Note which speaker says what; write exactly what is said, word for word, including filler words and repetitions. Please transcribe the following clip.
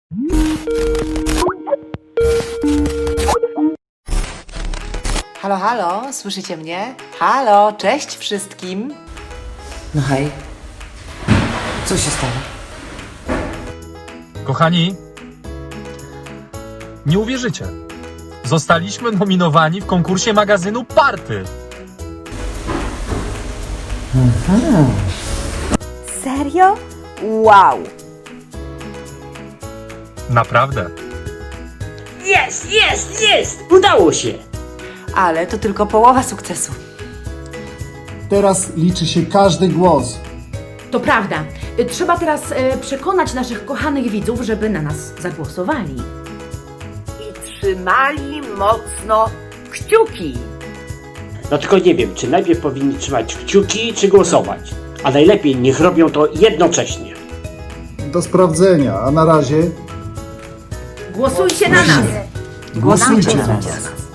Speaker 1: Halo, halo, słyszycie mnie? Halo, cześć wszystkim.
Speaker 2: No hej. Co się stało?
Speaker 3: Kochani, nie uwierzycie. Zostaliśmy nominowani w konkursie magazynu Party.
Speaker 4: Serio? Wow!
Speaker 3: Naprawdę.
Speaker 5: Jest, jest, jest! Udało się!
Speaker 1: Ale to tylko połowa sukcesu.
Speaker 6: Teraz liczy się każdy głos.
Speaker 7: To prawda. Y, Trzeba teraz e, przekonać naszych kochanych widzów, żeby na nas zagłosowali.
Speaker 8: I trzymali mocno kciuki.
Speaker 5: No tylko nie wiem, czy najpierw powinni trzymać kciuki, czy głosować. A najlepiej niech robią to jednocześnie.
Speaker 6: Do sprawdzenia, a na razie
Speaker 7: Głosujcie na nas!
Speaker 6: głosujcie
Speaker 1: na
Speaker 6: na
Speaker 1: nas.
Speaker 6: nas.